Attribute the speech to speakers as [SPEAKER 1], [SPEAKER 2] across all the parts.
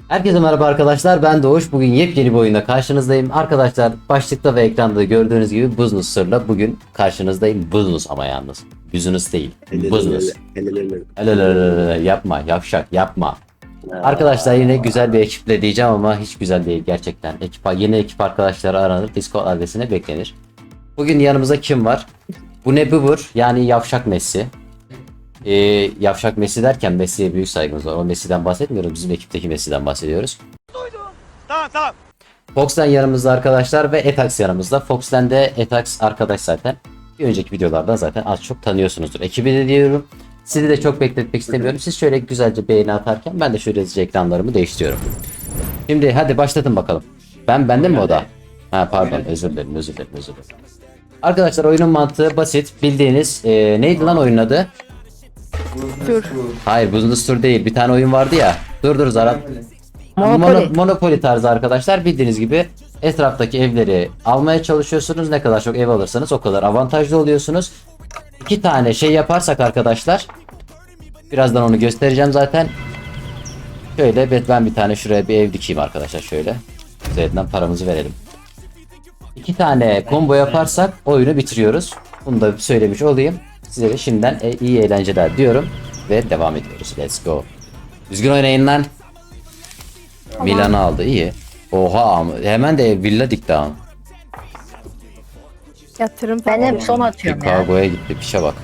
[SPEAKER 1] Herkese merhaba arkadaşlar, ben Doğuş. Bugün yepyeni bir oyunda karşınızdayım. Arkadaşlar, başlıkta ve ekranda gördüğünüz gibi Business Sır'la bugün karşınızdayım. Business ama yalnız. Business değil. Business. Helal yapma, yavşak yapma. Arkadaşlar yine güzel bir ekiple diyeceğim ama hiç güzel değil gerçekten. Yeni ekip arkadaşları aranır, Discord adresine beklenir. Bugün yanımızda kim var? Bu ne bubur? Yani yavşak Messi. Yavşak Messi derken Messi'ye büyük saygımız var. O Messi'den bahsetmiyoruz. Bizim ekipteki Messi'den bahsediyoruz.
[SPEAKER 2] Tamam.
[SPEAKER 1] Fox'ten yanımızda arkadaşlar ve Etax yanımızda. Fox'ten de Etax arkadaş zaten. Bir önceki videolardan zaten az çok tanıyorsunuzdur. Ekibi de diyorum. Sizi de çok bekletmek istemiyorum. Siz şöyle güzelce beğeni atarken ben de şöyle hızlıca ekranlarımı değiştiriyorum. Şimdi hadi başlatın bakalım. Bende mi o da? Ha pardon, özür dilerim. Arkadaşlar oyunun mantığı basit. Bildiğiniz neydi lan oyunun adı?
[SPEAKER 3] Dur.
[SPEAKER 1] Hayır, Business Tour değil. Bir tane oyun vardı ya. Dur Zarat.
[SPEAKER 3] Monopoly.
[SPEAKER 1] Monopoly tarzı arkadaşlar. Bildiğiniz gibi etraftaki evleri almaya çalışıyorsunuz. Ne kadar çok ev alırsanız o kadar avantajlı oluyorsunuz. İki tane şey yaparsak arkadaşlar. Birazdan onu göstereceğim zaten. Şöyle ben bir tane şuraya bir ev dikeyim arkadaşlar şöyle. Üzerinden paramızı verelim. İki tane combo yaparsak oyunu bitiriyoruz. Bunu da söylemiş olayım. Size de şimdiden iyi eğlenceler diyorum. Ve devam ediyoruz. Let's go. Düzgün oynayın lan. Milan'ı aldı, iyi. Oha, hemen de villa dikti ha.
[SPEAKER 3] Yatırım
[SPEAKER 4] Ben
[SPEAKER 3] falan.
[SPEAKER 4] hep son atıyorum ya.
[SPEAKER 1] Chicago'ya gitti, pişe bak.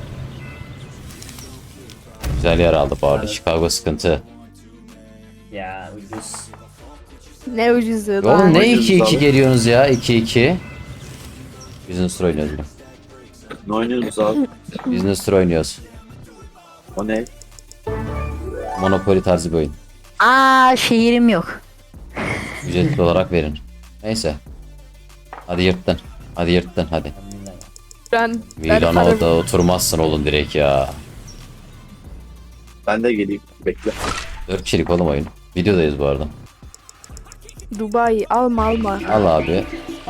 [SPEAKER 1] Güzel yer aldı bu arada. Chicago sıkıntı.
[SPEAKER 2] Ya ucuz.
[SPEAKER 3] Ne ucuzu
[SPEAKER 1] Oğlum
[SPEAKER 3] lan.
[SPEAKER 1] ne
[SPEAKER 2] Oynuyoruz
[SPEAKER 1] 2-2
[SPEAKER 2] abi.
[SPEAKER 1] geliyorsunuz ya, 2-2. Business Tour oynuyoruz bugün.
[SPEAKER 2] Ne oynuyoruz abi?
[SPEAKER 1] Business Tour oynuyoruz.
[SPEAKER 2] O ne?
[SPEAKER 1] Monopoly tarzı bir oyun.
[SPEAKER 4] Şehirim yok.
[SPEAKER 1] Ücretli olarak verin. Neyse. Hadi yırttın. Hadi.
[SPEAKER 3] Ben
[SPEAKER 1] Milano'da
[SPEAKER 3] paramı-
[SPEAKER 1] oturmazsın oğlum direkt ya.
[SPEAKER 2] Ben de geleyim. Bekle.
[SPEAKER 1] 4 kişilik oğlum oyun. Videodayız bu arada.
[SPEAKER 3] Dubai alma.
[SPEAKER 1] Al abi.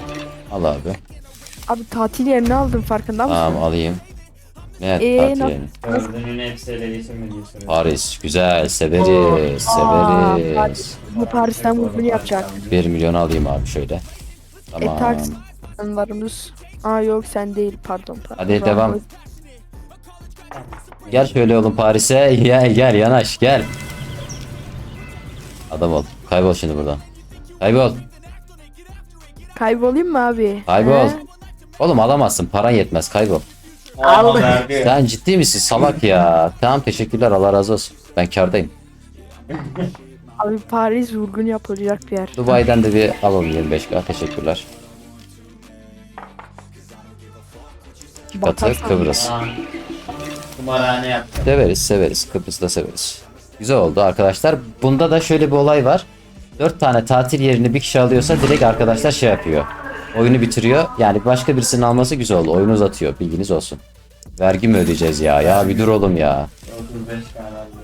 [SPEAKER 3] Abi tatil yerini aldım farkında mısın?
[SPEAKER 1] Tamam alayım. Ne
[SPEAKER 3] Ee,
[SPEAKER 1] tatil
[SPEAKER 3] na-
[SPEAKER 1] yani?
[SPEAKER 5] Gördüğünün hepsi ele geçirmediği sürece.
[SPEAKER 1] Paris güzel, severiz.
[SPEAKER 3] Bu Paris'ten vurgun yapacak.
[SPEAKER 1] 1 milyon alayım abi şöyle. Tamam.
[SPEAKER 3] Varımız. Yok sen değil pardon.
[SPEAKER 1] Hadi devam. Gel şöyle oğlum Paris'e. Gel yanaş gel. Adam ol. Kaybol şimdi buradan. Kaybol.
[SPEAKER 3] Kaybolayım mı abi?
[SPEAKER 1] Kaybol.
[SPEAKER 3] He?
[SPEAKER 1] Oğlum alamazsın. Paran yetmez. Kaybol.
[SPEAKER 5] Aldı. Verdi.
[SPEAKER 1] Sen ciddi misin salak ya? Tamam teşekkürler. Allah razı olsun. Ben kârdayım.
[SPEAKER 3] Abi Paris vurgun yapılacak bir yer.
[SPEAKER 1] Dubai'den de bir alalım 25k. Teşekkürler. İki katı
[SPEAKER 3] Batarsan
[SPEAKER 1] Kıbrıs.
[SPEAKER 5] Tamam. Kumarhane yaptı.
[SPEAKER 1] Severiz. Kıbrıs'ta severiz. Güzel oldu arkadaşlar. Bunda da şöyle bir olay var. 4 tane tatil yerini bir kişi alıyorsa direkt arkadaşlar şey yapıyor. Oyunu bitiriyor. Yani başka birisinin alması güzel oldu. Oyunu uzatıyor. Bilginiz olsun. Vergi mi ödeyeceğiz ya? Ya bir dur oğlum ya.
[SPEAKER 5] 35 kadar diyor.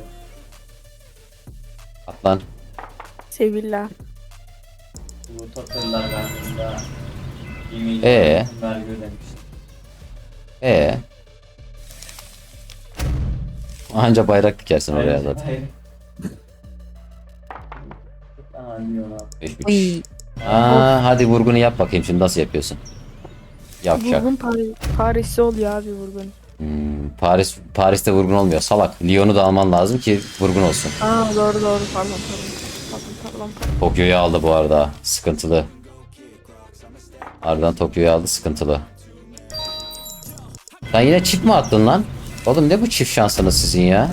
[SPEAKER 1] Atlan.
[SPEAKER 3] Sevilla.
[SPEAKER 5] Bu Tottenham'lar verdiğinde 1 milyon vergi ödemişti.
[SPEAKER 1] Anca bayrak dikersin oraya zaten.
[SPEAKER 5] Hayır. Tamam diyor abi.
[SPEAKER 1] 5-3.
[SPEAKER 4] Uy.
[SPEAKER 1] Hadi vurgunu yap bakayım şimdi nasıl yapıyorsun? Yavşak.
[SPEAKER 3] Vurgun Paris'te oluyor abi vurgun.
[SPEAKER 1] Paris'te vurgun olmuyor. Salak. Lyon'u da alman lazım ki vurgun olsun.
[SPEAKER 3] Doğru pardon.
[SPEAKER 1] Tokyo'yu aldı bu arada. Sıkıntılı. Ardından Tokyo'yu aldı. Sıkıntılı. Sen yine çift mi attın lan? Oğlum ne bu çift şansınız sizin ya?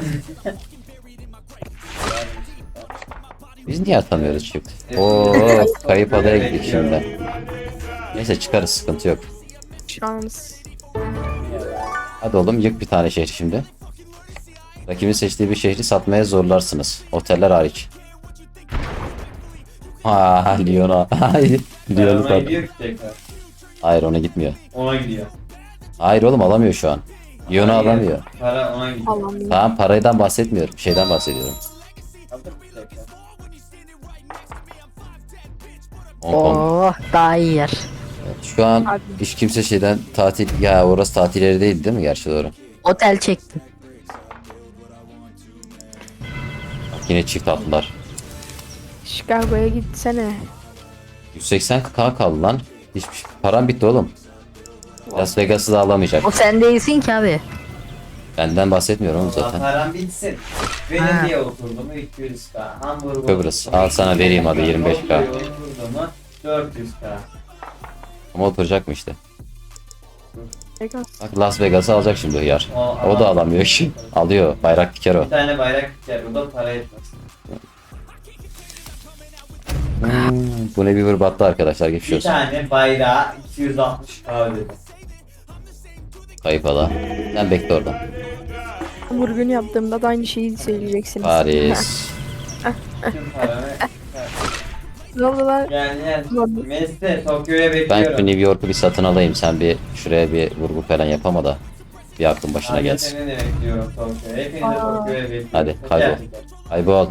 [SPEAKER 1] Biz niye atamıyoruz çift? Kayıp adaya gittik şimdi. Neyse çıkarız, sıkıntı yok.
[SPEAKER 3] Şans.
[SPEAKER 1] Hadi oğlum yık bir tane şehri şimdi. Rakibin seçtiği bir şehri satmaya zorlarsınız. Oteller hariç. Lyon'a. Lyon'u
[SPEAKER 5] Ona
[SPEAKER 1] sat.
[SPEAKER 5] gidiyor ki tekrar.
[SPEAKER 1] Hayır ona gitmiyor.
[SPEAKER 5] Ona gidiyor.
[SPEAKER 1] Hayır oğlum alamıyor şu an. Lyon'u alamıyor.
[SPEAKER 5] Para ona gidiyor.
[SPEAKER 3] Allah'ım.
[SPEAKER 1] Tamam paraydan bahsetmiyorum. Şeyden bahsediyorum.
[SPEAKER 5] Aldık tekrar.
[SPEAKER 1] Hong Kong.
[SPEAKER 4] Daha iyi yer.
[SPEAKER 1] Şu an
[SPEAKER 3] Abi.
[SPEAKER 1] hiç kimse şeyden tatil... Ya orası tatil yeri değil mi? Gerçi doğru.
[SPEAKER 4] Otel çektim.
[SPEAKER 1] Bak yine çift attılar.
[SPEAKER 3] Chicago'ya gitsene.
[SPEAKER 1] 180k kaldı lan. Hiçbir param bitti oğlum. Las Vegas'ı da alamayacak.
[SPEAKER 4] O sen değilsin ki abi.
[SPEAKER 1] Benden bahsetmiyorum oğlum
[SPEAKER 5] Allah
[SPEAKER 1] zaten.
[SPEAKER 5] param bitsin.
[SPEAKER 4] Ha.
[SPEAKER 5] Benim diye oturdum 200k. Hamburg
[SPEAKER 1] Kıbrıs. Al sana vereyim hadi 25k.
[SPEAKER 5] Oturdum 400k.
[SPEAKER 1] Ama oturacak mı işte?
[SPEAKER 3] Vegas.
[SPEAKER 1] Bak Las Vegas'ı alacak şimdi hıyar. O da alamıyor ki. Alıyor. Bayrak diker o.
[SPEAKER 5] Bir tane bayrak diker. O da para etmez.
[SPEAKER 1] Bu ne bir hırbattı arkadaşlar. Geçmiş
[SPEAKER 5] Bir
[SPEAKER 1] olsun.
[SPEAKER 5] tane bayrağı 260k ödedim.
[SPEAKER 1] Kayıp ala. Sen bekle oradan.
[SPEAKER 3] Vurgun yaptığımda da aynı şeyi söyleyeceksiniz.
[SPEAKER 1] Paris.
[SPEAKER 5] Tüm paramı.
[SPEAKER 3] Ne oldu lan?
[SPEAKER 5] Gel gel.
[SPEAKER 3] Ulan,
[SPEAKER 5] Mesle Tokyo'ya
[SPEAKER 1] Ben
[SPEAKER 5] bekliyorum.
[SPEAKER 1] şu New York'u bir satın alayım. Sen bir şuraya bir vurgu falan yapama da. Bir aklın başına
[SPEAKER 5] Hadi
[SPEAKER 1] gelsin.
[SPEAKER 5] seni de bekliyorum Tokyo'ya. Hepinizi de
[SPEAKER 3] Aa.
[SPEAKER 5] Tokyo'ya bekliyorum.
[SPEAKER 1] Hadi,
[SPEAKER 5] Teker
[SPEAKER 1] kaybol.
[SPEAKER 5] teker.
[SPEAKER 1] Kaybol.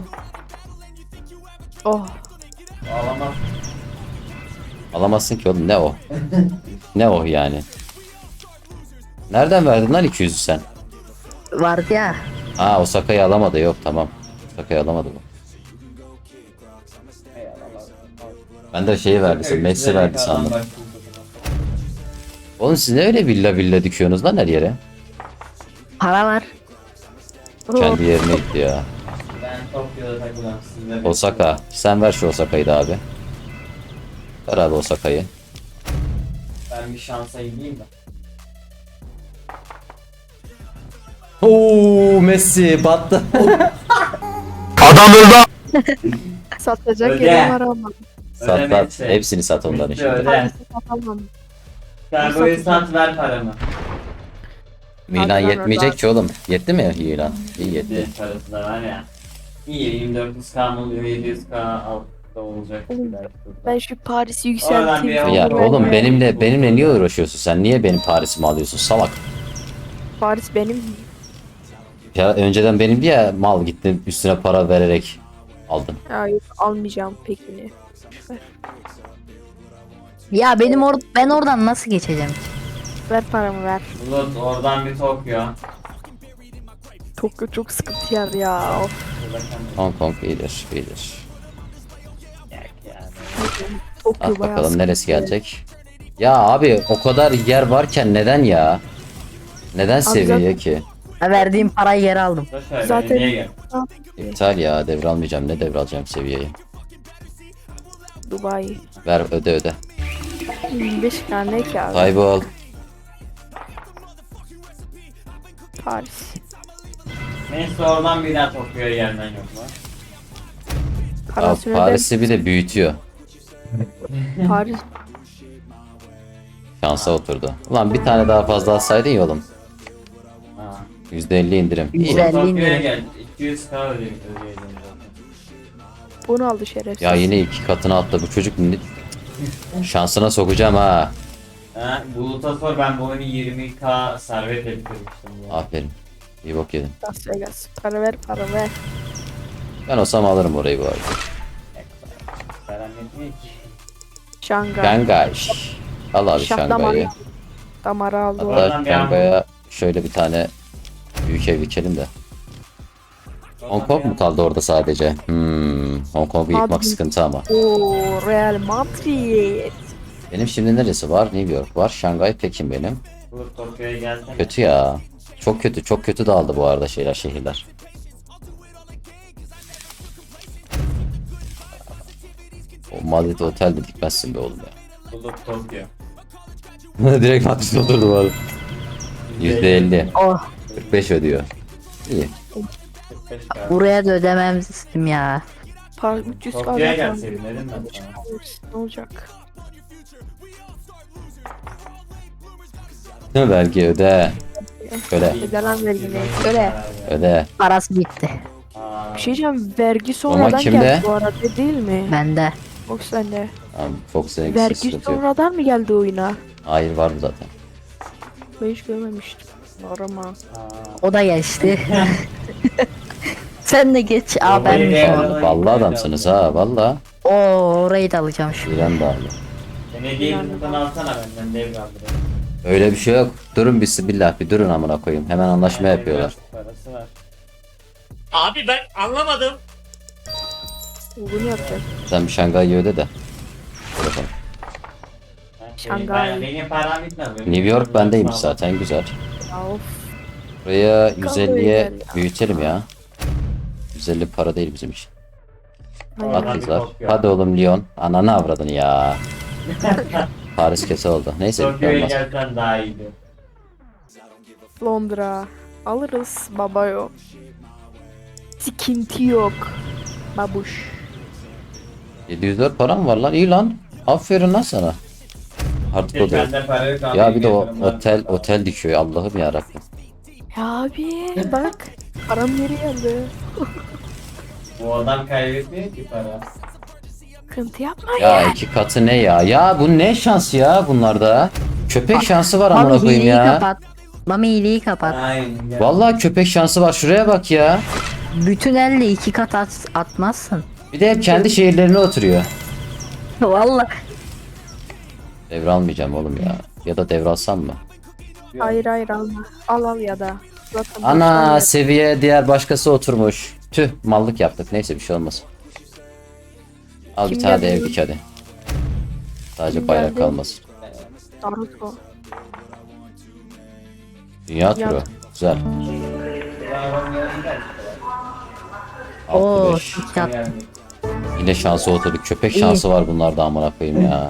[SPEAKER 3] Oh.
[SPEAKER 5] Ağlamaz.
[SPEAKER 1] Alamazsın ki oğlum. Ne o? Ne o yani? Nereden verdin lan 200'ü sen?
[SPEAKER 4] Vardı ya.
[SPEAKER 1] Aa Osaka'yı alamadı. Yok tamam. Osaka'yı alamadı bu.
[SPEAKER 5] Ey ağlamaz.
[SPEAKER 1] Ben de şeyi verdi. Sen Messi verdi sandım. Oğlum siz ne öyle villa villa dikiyorsunuz lan her yere?
[SPEAKER 4] Para var.
[SPEAKER 3] Oh.
[SPEAKER 1] Kendi yerine gitti ya.
[SPEAKER 5] Ben Tokyo'da takılan sizle
[SPEAKER 1] Osaka. Sen ver şu Osaka'yı da abi. Ver abi Osaka'yı.
[SPEAKER 5] Ben bir şansa gideyim de.
[SPEAKER 1] Oo Messi battı.
[SPEAKER 3] Satacak
[SPEAKER 5] Öde.
[SPEAKER 3] yerim var ama.
[SPEAKER 1] Sat sat.
[SPEAKER 5] Ödemezse.
[SPEAKER 1] Hepsini sat onların
[SPEAKER 5] Bitti,
[SPEAKER 1] şimdi.
[SPEAKER 5] öde.
[SPEAKER 3] Satamam.
[SPEAKER 5] Sen bu sat ver paramı.
[SPEAKER 1] Milan
[SPEAKER 3] Hadi lan
[SPEAKER 1] yetmeyecek
[SPEAKER 3] oradan.
[SPEAKER 1] ki oğlum. Yetti mi Milan? İyi yetti.
[SPEAKER 5] Bir parası da var ya. İyi 2400k mı oluyor 700k al da olacak.
[SPEAKER 3] Oğlum,
[SPEAKER 5] belki.
[SPEAKER 3] Ben şu Paris'i
[SPEAKER 5] Oradan bir
[SPEAKER 3] yükselteyim.
[SPEAKER 1] Ya
[SPEAKER 5] Olur,
[SPEAKER 1] oğlum
[SPEAKER 5] olur.
[SPEAKER 1] benimle niye uğraşıyorsun sen? Niye benim Paris'imi alıyorsun salak?
[SPEAKER 3] Paris benim.
[SPEAKER 1] Ya önceden benimdi ya mal gittin üstüne para vererek aldın.
[SPEAKER 3] Ya yok almayacağım pekini.
[SPEAKER 4] Ya ben oradan nasıl geçeceğim?
[SPEAKER 3] Ver paramı ver.
[SPEAKER 5] Bulut oradan bir Tokyo.
[SPEAKER 3] Çok sıkıntı yer ya. Of.
[SPEAKER 1] Hong Kong iyidir iyidir.
[SPEAKER 5] Yani.
[SPEAKER 3] Tokyo
[SPEAKER 1] At
[SPEAKER 3] bayağı
[SPEAKER 1] bakalım neresi
[SPEAKER 3] sıkıntı.
[SPEAKER 1] gelecek? Ya abi o kadar yer varken neden ya? Neden seviye
[SPEAKER 3] zaten-
[SPEAKER 1] ki?
[SPEAKER 4] Ha, verdiğim parayı geri aldım.
[SPEAKER 5] Zaten
[SPEAKER 3] Zaten-
[SPEAKER 5] niye gel?
[SPEAKER 1] İptal ya devralmayacağım ne devralacağım seviyeyi.
[SPEAKER 3] Dubai.
[SPEAKER 1] Ver öde.
[SPEAKER 3] 25 tane ki abi.
[SPEAKER 1] Kaybol.
[SPEAKER 3] Paris.
[SPEAKER 5] Neyse oradan bir daha Tokyo'ya gelmen yok mu?
[SPEAKER 1] Abi,
[SPEAKER 3] Parasını
[SPEAKER 1] Paris'i bir de büyütüyor.
[SPEAKER 3] Paris.
[SPEAKER 1] Şansa oturdu. Ulan bir tane daha fazla alsaydın ya oğlum.
[SPEAKER 5] Ha.
[SPEAKER 1] %50 indirim. İyi.
[SPEAKER 4] Güzel.
[SPEAKER 5] Tokyo'ya
[SPEAKER 4] indirim.
[SPEAKER 5] gel. 200k ödeyelim zaten.
[SPEAKER 3] Bunu aldı şerefsiz.
[SPEAKER 1] Ya yine 2 katına attı bu çocuk. Şansına sokacağım ha.
[SPEAKER 5] Ha, Bulut'a sor ben bu oyunu 20k servet ettirmiştim. Ya.
[SPEAKER 1] Aferin. İyi bok yedin.
[SPEAKER 3] Las Vegas. Para ver para ver.
[SPEAKER 1] Ben olsam alırım orayı bu arada.
[SPEAKER 5] Param yetmiyor ki.
[SPEAKER 3] Şangay.
[SPEAKER 1] Şangay. Al abi
[SPEAKER 3] Şah
[SPEAKER 1] Şangay'ı.
[SPEAKER 3] Damarı aldı o.
[SPEAKER 5] Adam-
[SPEAKER 1] Hatta Şangay'a şöyle bir tane büyük ev dikelim de. Hong Kong mu kaldı orada sadece? Hong Kong'u yıkmak
[SPEAKER 3] Abi-
[SPEAKER 1] sıkıntı ama.
[SPEAKER 3] Oo Real Madrid.
[SPEAKER 1] Benim şimdi neresi var? New York var. Şangay Pekin benim.
[SPEAKER 5] Bulut Tokyo'ya gelsene.
[SPEAKER 1] Kötü ya. Çok kötü dağıldı bu arada şehirler. O Madrid otel de dikmezsin be oğlum ya.
[SPEAKER 5] Bulut Tokyo.
[SPEAKER 1] Direkt Madrid oturdu bu arada. %50.
[SPEAKER 4] Oh,
[SPEAKER 1] 45 ödüyor. İyi.
[SPEAKER 5] 45k.
[SPEAKER 4] buraya da ödemem ya.
[SPEAKER 3] Par 300
[SPEAKER 5] Tokyo'ya
[SPEAKER 3] kaldı.
[SPEAKER 5] gelseydin dedim ben sana.
[SPEAKER 3] Ne olacak?
[SPEAKER 1] Ne vergi öde. Öde.
[SPEAKER 3] Öde lan vergini. Öyle.
[SPEAKER 1] Öde.
[SPEAKER 4] Parası gitti.
[SPEAKER 5] Aa,
[SPEAKER 3] Bir şey diyeceğim. Vergi sonradan
[SPEAKER 1] kimde?
[SPEAKER 3] geldi bu arada değil mi?
[SPEAKER 4] Bende.
[SPEAKER 3] Yok sende.
[SPEAKER 1] Tamam, Fox'un
[SPEAKER 3] Vergi
[SPEAKER 1] sıkıntı yok.
[SPEAKER 3] sonradan mı geldi oyuna?
[SPEAKER 1] Hayır var mı zaten?
[SPEAKER 3] Ben hiç görmemiştim. Normal.
[SPEAKER 5] aa.
[SPEAKER 4] O da geçti. Sen de geç. Aa ben
[SPEAKER 5] Orayı
[SPEAKER 4] şu an.
[SPEAKER 5] da-
[SPEAKER 1] Vallahi adamsınız ha valla.
[SPEAKER 4] Oo, orayı da alacağım şu.
[SPEAKER 1] İran da aldı.
[SPEAKER 5] Beni değil buradan alsana benden devraldırayım.
[SPEAKER 1] Öyle bir şey yok. Durun bismillah bir durun amına koyayım. Hemen anlaşma yapıyorlar.
[SPEAKER 5] Parası var.
[SPEAKER 6] Abi ben anlamadım.
[SPEAKER 3] Vurgun yapacak.
[SPEAKER 1] Sen bir Şangay'ı öde de. Dur bakalım.
[SPEAKER 3] Şangay.
[SPEAKER 5] Benim param bitmez.
[SPEAKER 1] New York bendeymiş zaten, güzel.
[SPEAKER 3] Ya of.
[SPEAKER 1] Buraya
[SPEAKER 3] Kaldı
[SPEAKER 1] 150'ye
[SPEAKER 3] ya.
[SPEAKER 1] büyütelim ya. 150 para değil bizim için.
[SPEAKER 3] Hayır.
[SPEAKER 5] At.
[SPEAKER 1] Atlılar. Hadi oğlum Lyon. Ananı avradın ya. Paris kese oldu. Neyse bir şey
[SPEAKER 5] Tokyo'ya
[SPEAKER 1] olmaz.
[SPEAKER 5] gelsen daha iyiydi.
[SPEAKER 3] Londra. Alırız baba yok. Sıkıntı yok. Babuş.
[SPEAKER 1] 704 param var lan, iyi lan. Aferin lan sana. Artık o da yok.
[SPEAKER 5] Bende para yok abi.
[SPEAKER 1] Ya bir de o
[SPEAKER 5] yatırımlar.
[SPEAKER 1] otel dikiyor, Allah'ım ya Rabbim.
[SPEAKER 3] Ya abi bak. Param geri geldi.
[SPEAKER 5] Bu adam kaybetmiyor ki para.
[SPEAKER 3] Sıkıntı yapma.
[SPEAKER 1] Ya iki katı ne ya? Ya bu ne şans ya bunlarda? Köpek şansı var amına
[SPEAKER 4] Mami
[SPEAKER 1] koyayım
[SPEAKER 4] hileyi
[SPEAKER 1] ya.
[SPEAKER 4] kapat. Mami hileyi kapat.
[SPEAKER 5] Aynen. Gel.
[SPEAKER 1] Vallahi köpek şansı var, şuraya bak ya.
[SPEAKER 4] Bütün elle 2 kat atmazsın.
[SPEAKER 1] Bir de hep kendi şehirlerine oturuyor.
[SPEAKER 4] Vallahi.
[SPEAKER 1] Devralmayacağım oğlum ya. Ya da devralsam mı?
[SPEAKER 3] Hayır hayır alma. Al ya da. Zaten
[SPEAKER 1] Ana
[SPEAKER 3] boşver.
[SPEAKER 1] seviye diğer başkası oturmuş. Tüh, mallık yaptık. Neyse bir şey olmaz. Al bir
[SPEAKER 3] Kim
[SPEAKER 1] tane de
[SPEAKER 3] geldi?
[SPEAKER 1] ev dik hadi. Sadece
[SPEAKER 3] Kim
[SPEAKER 1] bayrak
[SPEAKER 3] geldi?
[SPEAKER 1] kalmasın.
[SPEAKER 3] Naruto.
[SPEAKER 1] Dünya turu. Güzel.
[SPEAKER 4] Oo,
[SPEAKER 1] 65.
[SPEAKER 4] çok yap.
[SPEAKER 1] Yine şansı oturduk. Köpek
[SPEAKER 4] İyi.
[SPEAKER 1] şansı var bunlarda amına koyayım ya.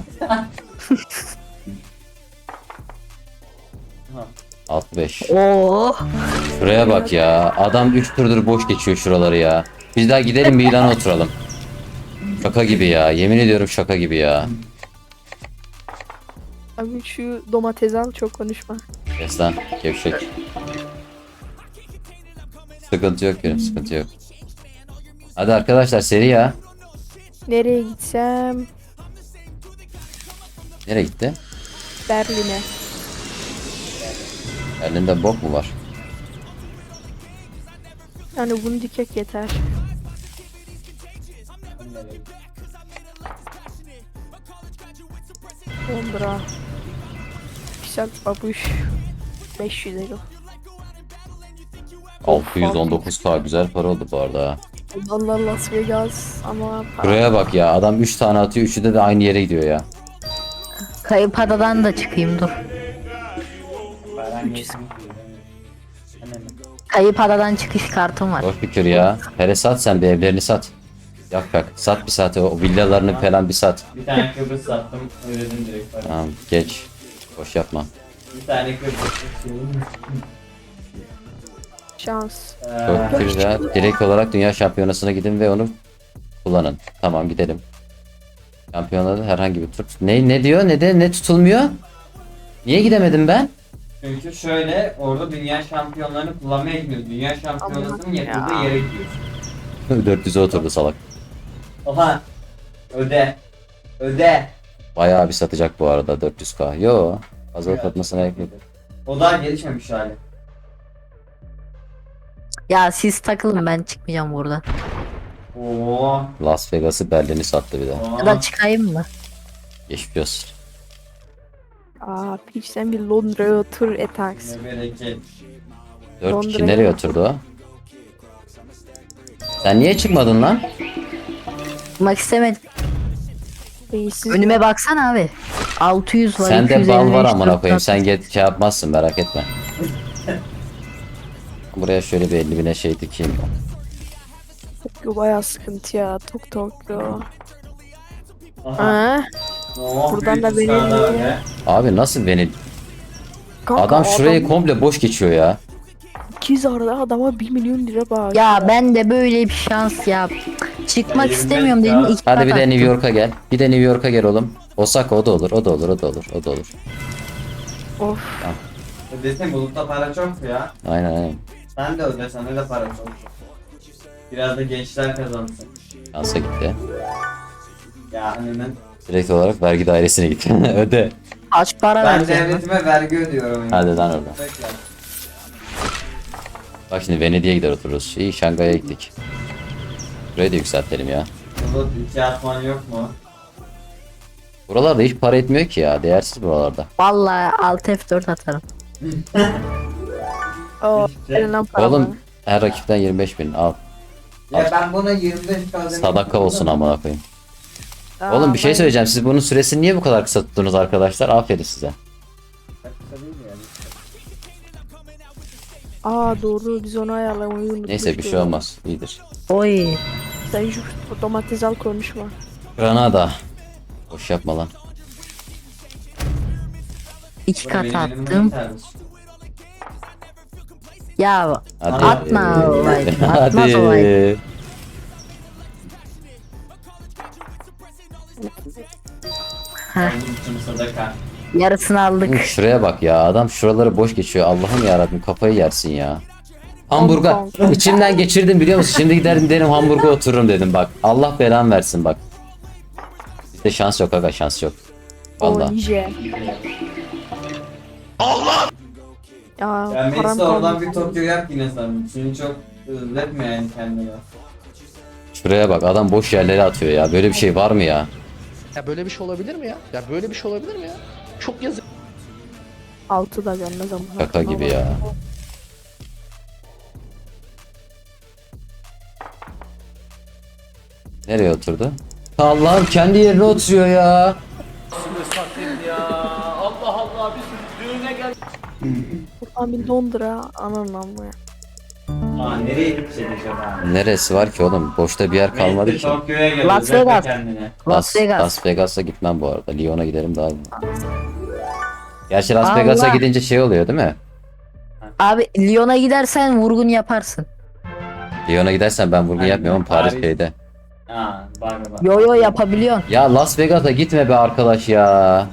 [SPEAKER 1] 65.
[SPEAKER 4] Oo.
[SPEAKER 1] Şuraya bak ya. Adam 3 turdur boş geçiyor şuraları ya. Biz daha gidelim Milan'a oturalım. Şaka gibi ya. Yemin ediyorum şaka gibi ya.
[SPEAKER 3] Abi şu domates al çok konuşma.
[SPEAKER 1] Kes lan gevşek. Sıkıntı yok benim, sıkıntı yok. Hadi arkadaşlar seri ya.
[SPEAKER 3] Nereye gitsem?
[SPEAKER 1] Nereye gitti?
[SPEAKER 3] Berlin'e.
[SPEAKER 1] Elinde bok mu var?
[SPEAKER 3] Yani bunu dikek yeter. Londra. Güzel babuş. 500 euro.
[SPEAKER 1] 619k güzel para oldu bu arada ha.
[SPEAKER 3] Allah Las Vegas ama
[SPEAKER 1] Buraya bak ya, adam 3 tane atıyor, 3'ü de aynı yere gidiyor ya.
[SPEAKER 4] Kayıp adadan da çıkayım dur.
[SPEAKER 5] Param yetmiyor.
[SPEAKER 4] Kayıp adadan çıkış kartım var.
[SPEAKER 1] Boş fikir ya. Hele sat sen bir evlerini sat. Yak yak. Sat bir saat o villalarını falan bir sat.
[SPEAKER 5] Bir tane Kıbrıs sattım. Ödedim direkt para.
[SPEAKER 1] Tamam geç. Boş yapma.
[SPEAKER 5] Bir tane Kıbrıs.
[SPEAKER 3] şans.
[SPEAKER 1] Çok güzel. Direkt olarak dünya şampiyonasına gidin ve onu kullanın. Tamam gidelim. Şampiyonada herhangi bir tur. Ne diyor? Ne tutulmuyor? Niye gidemedim ben?
[SPEAKER 5] Çünkü şöyle orada dünya şampiyonlarını kullanmaya gidiyoruz. Dünya şampiyonasının
[SPEAKER 3] Aman
[SPEAKER 5] yapıldığı
[SPEAKER 3] ya.
[SPEAKER 5] yere gidiyoruz.
[SPEAKER 1] 400'e oturdu salak.
[SPEAKER 5] Oha. Öde. Öde.
[SPEAKER 1] Bayağı bir satacak bu arada 400k. Yo. Fazla satmasına gerek yok.
[SPEAKER 5] O daha gelişmemiş hali.
[SPEAKER 4] Ya siz takılın, ben çıkmayacağım buradan.
[SPEAKER 5] Oo.
[SPEAKER 1] Las Vegas'ı Berlin'i sattı bir de.
[SPEAKER 4] Ya da çıkayım mı?
[SPEAKER 1] Geçmiş olsun.
[SPEAKER 3] Aa piç sen bir Londra'ya otur etaks.
[SPEAKER 5] Ne bereket.
[SPEAKER 1] 4
[SPEAKER 3] Londra'ya
[SPEAKER 1] kişi nereye oturdu o? Sen niye çıkmadın lan?
[SPEAKER 4] Çıkmak istemedim.
[SPEAKER 3] Beyinsiz.
[SPEAKER 4] Önüme baksana abi. 600 var.
[SPEAKER 1] Sende
[SPEAKER 4] 255,
[SPEAKER 1] bal var amına koyayım.
[SPEAKER 4] 400.
[SPEAKER 1] Sen şey yapmazsın, merak etme. Buraya şöyle bir 50 bine şey dikeyim.
[SPEAKER 3] Tokyo bayağı sıkıntı ya. Tokyo.
[SPEAKER 5] Aha.
[SPEAKER 3] Ha?
[SPEAKER 5] Oh,
[SPEAKER 3] Buradan
[SPEAKER 5] büyük
[SPEAKER 3] da beni
[SPEAKER 5] ısrarlar
[SPEAKER 3] dinliyor.
[SPEAKER 5] be.
[SPEAKER 1] Abi nasıl beni...
[SPEAKER 3] Kanka,
[SPEAKER 1] Adam şurayı komple boş geçiyor ya.
[SPEAKER 3] 200 arada adama 1 milyon lira bağış.
[SPEAKER 4] Ya ben de böyle bir şans ya. Çıkmak
[SPEAKER 5] Elimde
[SPEAKER 4] istemiyorum
[SPEAKER 5] ya.
[SPEAKER 4] dedim. İki
[SPEAKER 1] Hadi
[SPEAKER 4] kat
[SPEAKER 1] bir de New
[SPEAKER 4] attım.
[SPEAKER 1] York'a gel. Bir de New York'a gel oğlum. Osaka o da olur, o da olur, o da olur, o da olur.
[SPEAKER 3] Of.
[SPEAKER 5] Ödesin bulutta para çok ya.
[SPEAKER 1] Aynen.
[SPEAKER 5] Sen de öde, sana da para çok. Biraz da gençler kazansın.
[SPEAKER 1] Şansa gitti.
[SPEAKER 5] Ya hani ben
[SPEAKER 1] Direkt olarak vergi dairesine git. Öde.
[SPEAKER 4] Kaç para
[SPEAKER 5] ben
[SPEAKER 4] vereceğim? lan?
[SPEAKER 5] devletime vergi ödüyorum.
[SPEAKER 1] Hadi lan orada.
[SPEAKER 5] Bekle.
[SPEAKER 1] Bak şimdi Venedik'e gider otururuz. İyi, Şangay'a gittik. Burayı da yükseltelim ya.
[SPEAKER 5] Bulut 2 atman yok mu?
[SPEAKER 1] Buralarda hiç para etmiyor ki ya. Değersiz buralarda.
[SPEAKER 4] Vallahi alt F4 atarım.
[SPEAKER 3] O
[SPEAKER 5] İşte.
[SPEAKER 3] elinden para.
[SPEAKER 1] Oğlum her rakipten 25 bin al.
[SPEAKER 5] Ya ben buna 25k
[SPEAKER 1] Sadaka olsun amına koyayım.
[SPEAKER 3] Aa,
[SPEAKER 1] Oğlum bir şey
[SPEAKER 3] ben-
[SPEAKER 1] söyleyeceğim. Siz bunun süresini niye bu kadar kısa tuttunuz arkadaşlar? Aferin size.
[SPEAKER 3] Aa doğru, biz onu ayarlamayı unutmuştuk.
[SPEAKER 1] Neyse bir şey olmaz. İyidir.
[SPEAKER 4] Oy.
[SPEAKER 3] Sen şu domates al, konuşma.
[SPEAKER 1] Granada. Boş yapma lan.
[SPEAKER 4] 2 kat attım. Ya
[SPEAKER 1] Hadi.
[SPEAKER 4] atma olay. Atmaz
[SPEAKER 1] Hadi.
[SPEAKER 4] olay.
[SPEAKER 5] Sadaka.
[SPEAKER 4] Yarısını aldık.
[SPEAKER 1] Şuraya bak ya. Adam şuraları boş geçiyor. Allah'ım yarabbim kafayı yersin ya. Hamburga.
[SPEAKER 3] Hong Kong.
[SPEAKER 1] İçimden geçirdim biliyor musun? Şimdi giderim derim Hamburg'a otururum dedim bak. Allah belamı versin bak. Bizde şans yok aga, şans yok.
[SPEAKER 3] O
[SPEAKER 1] Vallahi.
[SPEAKER 3] nice. Allah! Ya
[SPEAKER 5] Ya
[SPEAKER 3] param
[SPEAKER 5] Messi oradan
[SPEAKER 3] kalmadı.
[SPEAKER 5] bir Tokyo yap yine sen. Seni çok üzletme yani kendine.
[SPEAKER 1] Şuraya bak adam boş yerlere atıyor ya. Böyle bir şey var mı ya?
[SPEAKER 6] Ya böyle bir şey olabilir mi ya? Ya böyle bir şey olabilir mi ya? Çok yazık.
[SPEAKER 3] 6 da gelmez ama.
[SPEAKER 1] Şaka gibi ya. Nereye oturdu? Allah'ım kendi yerine oturuyor ya.
[SPEAKER 3] Buradan bir Londra ananın amma ya.
[SPEAKER 5] Aa nereye gidecek acaba?
[SPEAKER 1] Neresi var ki oğlum? Boşta bir yer kalmadı
[SPEAKER 5] Messi
[SPEAKER 1] ki.
[SPEAKER 5] Tokyo'ya gel.
[SPEAKER 4] Las
[SPEAKER 5] üzletme
[SPEAKER 4] Vegas.
[SPEAKER 5] kendine.
[SPEAKER 4] Las Vegas.
[SPEAKER 1] Las Vegas'a gitmem bu arada. Lyon'a giderim daha iyi. Gerçi Las
[SPEAKER 4] Allah.
[SPEAKER 1] Vegas'a gidince şey oluyor değil mi?
[SPEAKER 4] Abi Lyon'a gidersen vurgun yaparsın.
[SPEAKER 1] Lyon'a gidersen ben vurgun
[SPEAKER 5] Aynen,
[SPEAKER 1] yapmıyorum Paris
[SPEAKER 5] Paris.
[SPEAKER 1] şeyde.
[SPEAKER 5] Aa bak bak.
[SPEAKER 4] Yo yo yapabiliyorsun.
[SPEAKER 1] Ya Las Vegas'a gitme be arkadaş ya.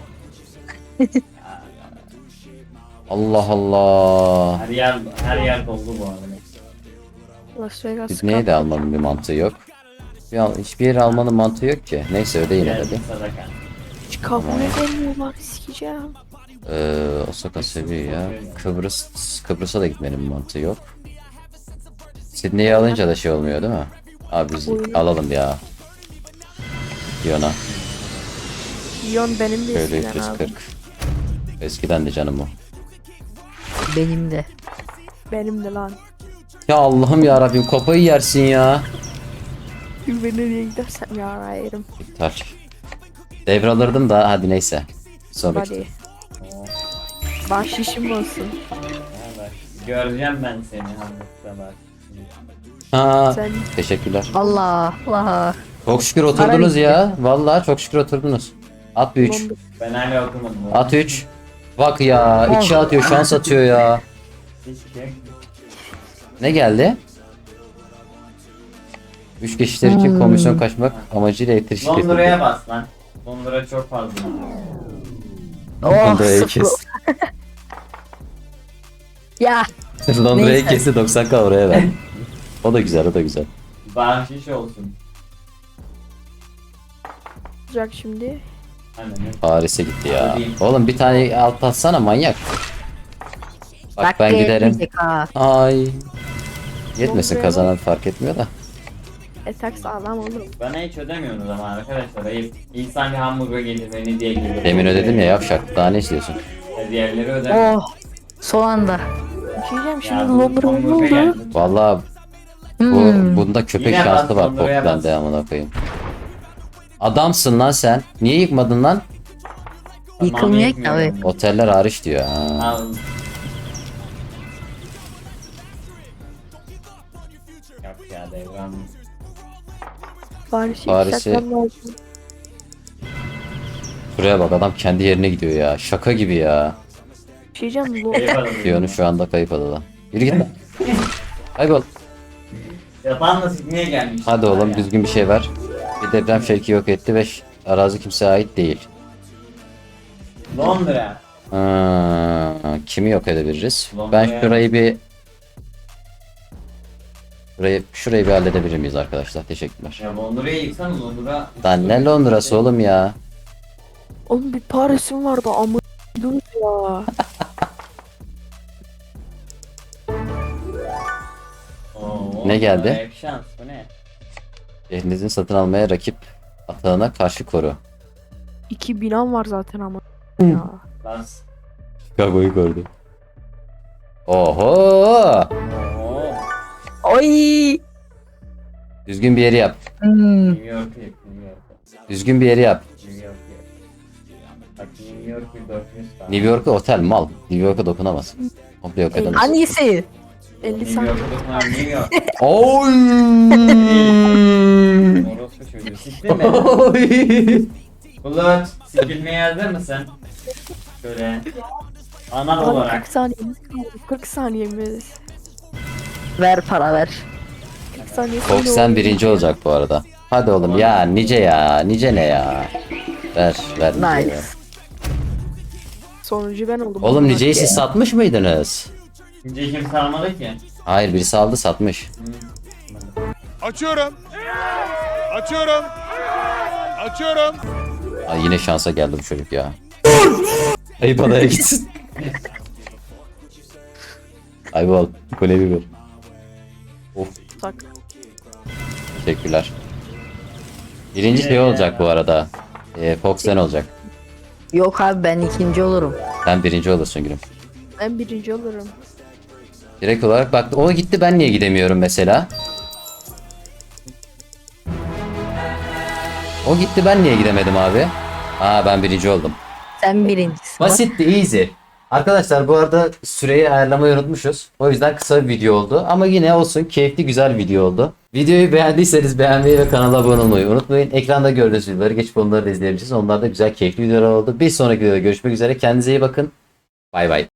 [SPEAKER 1] Allah Allah.
[SPEAKER 5] Her yer doldu bu arada.
[SPEAKER 3] Las Vegas.
[SPEAKER 1] Sydney'e de almanın bir mantığı yok. Hiçbir yere almanın mantığı yok ki. Neyse öyle yine de
[SPEAKER 5] Geldi
[SPEAKER 1] bir.
[SPEAKER 5] sadaka.
[SPEAKER 3] Hiç kabul edemiyorlar, sikeceğim.
[SPEAKER 1] Osaka seviyor ya. Kıbrıs'a da gitmenin bir mantığı yok. Sydney'i alınca da şey olmuyor değil mi? Abi biz
[SPEAKER 3] Oyun.
[SPEAKER 1] alalım ya. Lyon'a.
[SPEAKER 3] Lyon benim de
[SPEAKER 1] Şöyle
[SPEAKER 3] eskiden abi.
[SPEAKER 1] 340. Eskiden de canım o.
[SPEAKER 4] Benim de.
[SPEAKER 3] Benim de lan.
[SPEAKER 1] Ya Allah'ım ya Rabbim kafayı yersin ya.
[SPEAKER 3] Ben nereye gidersem ya yerim.
[SPEAKER 1] İptal. Devralırdım da hadi neyse. Sonraki.
[SPEAKER 3] Hadi. Bahşişim olsun.
[SPEAKER 5] Ha, bak. Göreceğim ben seni Hamburg'da bak.
[SPEAKER 1] Ha,
[SPEAKER 3] Sen
[SPEAKER 1] teşekkürler.
[SPEAKER 4] Allah Allah.
[SPEAKER 1] Çok şükür oturdunuz ya. Vallahi çok şükür oturdunuz. At bir 3.
[SPEAKER 3] Londra.
[SPEAKER 5] Ben hala okumadım.
[SPEAKER 1] At 3. Bak ya 2 atıyor şans atıyor ya.
[SPEAKER 5] Hiçbir şey yok.
[SPEAKER 1] Ne geldi? 3 geçişler için komisyon kaçmak amacıyla elektrik şirketi.
[SPEAKER 5] Londra'ya bas lan. Londra çok fazla.
[SPEAKER 4] Oh
[SPEAKER 1] Londra'yı
[SPEAKER 4] sıfır.
[SPEAKER 1] kes.
[SPEAKER 4] Ya
[SPEAKER 1] Londra'yı
[SPEAKER 4] Neyse.
[SPEAKER 1] kesti 90k oraya ver. O da güzel o da güzel.
[SPEAKER 5] Bahşiş olsun.
[SPEAKER 3] olacak şimdi.
[SPEAKER 5] Hani
[SPEAKER 1] Paris'e gitti ya. Oğlum bir tane alt atsana manyak. Bak
[SPEAKER 4] dakika
[SPEAKER 1] ben giderim.
[SPEAKER 4] yetmeyecek ha.
[SPEAKER 1] Ay. Yetmesin
[SPEAKER 3] Londra'ya
[SPEAKER 1] kazanan fark etmiyor da.
[SPEAKER 3] Etak sağlam olur.
[SPEAKER 5] bana hiç ödemiyorsunuz ama arkadaşlar. Ayıp. İnsan bir hamburger gelir beni diye gelir.
[SPEAKER 1] Demin ödedim ya yavşak. Daha ne istiyorsun?
[SPEAKER 5] Diğerleri ödemiyor.
[SPEAKER 4] Oh. Son anda.
[SPEAKER 3] Bir şey diyeceğim
[SPEAKER 5] Ya,
[SPEAKER 3] şimdi Londra'ya ne
[SPEAKER 5] hamburger
[SPEAKER 3] oldu?
[SPEAKER 5] geldi.
[SPEAKER 1] Vallahi
[SPEAKER 4] Hmm.
[SPEAKER 1] bunda köpek
[SPEAKER 5] Yine
[SPEAKER 1] şansı
[SPEAKER 5] bas,
[SPEAKER 1] var
[SPEAKER 5] Londra'ya
[SPEAKER 1] Pop'tan
[SPEAKER 5] bas.
[SPEAKER 1] devamına koyayım. Adamsın lan sen. Niye yıkmadın lan?
[SPEAKER 4] Yıkılmıyor ki
[SPEAKER 5] yetmiyor.
[SPEAKER 4] abi.
[SPEAKER 1] Oteller hariç diyor. Ha.
[SPEAKER 5] Al. Yok ya devran.
[SPEAKER 3] Paris'i
[SPEAKER 1] Paris'i-
[SPEAKER 3] yükseltmem lazım.
[SPEAKER 1] Şuraya bak adam kendi yerine gidiyor ya. Şaka gibi ya.
[SPEAKER 3] Bir şey diyeceğim
[SPEAKER 1] Piyonu şu anda kayıp adada. Yürü git lan. Kaybol.
[SPEAKER 5] Yapan da Sydney'e gelmiş.
[SPEAKER 1] Hadi oğlum düzgün bir şey ver. Bir deprem şevki yok etti ve arazi kimseye ait değil.
[SPEAKER 5] Londra.
[SPEAKER 1] Kimi yok edebiliriz?
[SPEAKER 5] Londra'ya-
[SPEAKER 1] Ben şurayı bir halledebilir miyiz arkadaşlar? Teşekkürler.
[SPEAKER 5] Ya Londra'yı yıksana Londra.
[SPEAKER 1] Lan ne Londra'sı oğlum ya?
[SPEAKER 3] Oğlum bir Paris'im vardı ama dur ya.
[SPEAKER 5] Oo,
[SPEAKER 1] Ne geldi?
[SPEAKER 5] Hep şans bu ne?
[SPEAKER 1] Şehrinizin satın almaya rakip atağına karşı koru.
[SPEAKER 3] 2 binam var zaten ama. Ya.
[SPEAKER 5] Bas.
[SPEAKER 1] Chicago'yu gördü. Oho!
[SPEAKER 5] Oo.
[SPEAKER 4] Oy.
[SPEAKER 1] Düzgün bir yeri yap.
[SPEAKER 5] New York'u yap. New York'u.
[SPEAKER 1] Düzgün bir yeri yap.
[SPEAKER 5] New York'u yap. Bak New York 1400K.
[SPEAKER 1] New York'a otel mal. New York'a dokunamaz. Komple yok edemez.
[SPEAKER 4] Hangisi?
[SPEAKER 3] 50
[SPEAKER 5] New
[SPEAKER 3] saniye.
[SPEAKER 5] York'u dokunan New York.
[SPEAKER 1] Oy!
[SPEAKER 5] Orospu çocuğu. Siktin mi? Bulut. Sikilmeye hazır mısın? Şöyle. Anal
[SPEAKER 3] Abi
[SPEAKER 5] olarak.
[SPEAKER 3] 40 saniyemiz kaldı. 40 saniyemiz.
[SPEAKER 4] Ver para ver.
[SPEAKER 3] 40 saniye
[SPEAKER 1] Fox sen birinci olacak bu arada. Hadi oğlum ya nice ya. Nice ne ya. Ver ver nice.
[SPEAKER 4] Nice.
[SPEAKER 1] ya.
[SPEAKER 3] Sonuncu ben oldum.
[SPEAKER 1] Oğlum niceyi siz satmış mıydınız?
[SPEAKER 5] Şimdi kimse almadı ki.
[SPEAKER 1] Hayır birisi aldı satmış.
[SPEAKER 7] Açıyorum. Açıyorum. Açıyorum.
[SPEAKER 1] Ay yine şansa geldi bu çocuk ya. Ayıp adaya gitsin. Ayıp kule bir. Of
[SPEAKER 3] Tak.
[SPEAKER 1] teşekkürler. Birinci şey olacak bu arada. Fox sen olacak.
[SPEAKER 4] Yok abi ben ikinci olurum.
[SPEAKER 1] Sen birinci olursun gülüm.
[SPEAKER 3] Ben birinci olurum.
[SPEAKER 1] Direkt olarak bak o gitti ben niye gidemiyorum mesela? O gitti ben niye gidemedim abi? Aa ben birinci oldum.
[SPEAKER 4] Sen birincisin.
[SPEAKER 1] Basitti easy. Arkadaşlar bu arada süreyi ayarlamayı unutmuşuz. O yüzden kısa bir video oldu. Ama yine olsun keyifli güzel video oldu. Videoyu beğendiyseniz beğenmeyi ve kanala abone olmayı unutmayın. Ekranda gördüğünüz videoları geçip onları da izleyebilirsiniz. Onlar da güzel keyifli videolar oldu. Bir sonraki videoda görüşmek üzere. Kendinize iyi bakın. Bay bay.